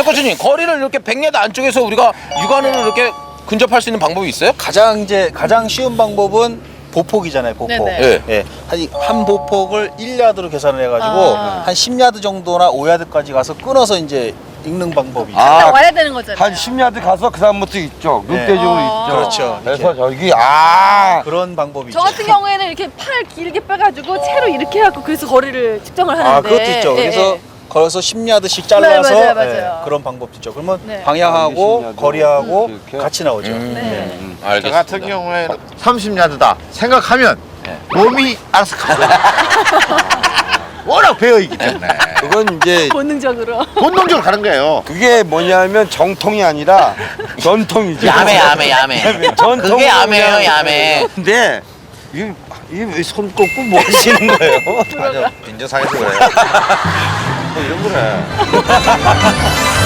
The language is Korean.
코치님, 거리를 이렇게 100야드 안쪽에서 우리가 육안으로 이렇게 근접할 수 있는 방법이 있어요? 가장 쉬운 방법은 보폭이잖아요, 보폭. 네네. 예. 한 보폭을 1야드로 계산을 해가지고 한 10야드 정도나 5야드까지 가서 끊어서 이제 읽는 방법이죠. 와야 되는 거잖아요. 한 10야드 가서 그 다음부터 있죠. 눈대중으로 있죠. 그렇죠. 그래서 저기 그런 방법이죠. 저 같은 경우에는 이렇게 팔 길게 빼가지고 채로 이렇게 해갖고 그래서 거리를 측정을 하는데. 그것도 있죠. 예, 그래서 예. 걸어서 10야드씩 잘라서 네, 맞아요. 그런 방법도 있죠. 그러면 네. 방향하고 10야드 거리하고 이렇게. 같이 나오죠. 네. 저 알겠습니다. 같은 경우에 30야드다 생각하면 몸이 알아서 가요. 워낙 배어있기 때문에 그건 이제 본능적으로. 본능적으로 가는 거예요. 그게 뭐냐면 정통이 아니라 전통이죠. 야매. 전통. 그게 야매예요, 야매. 근데 이왜 손 꽂고 뭐 하시는 거예요? 맞아, 빈정상해서 그래요. 뭐 이런 거래.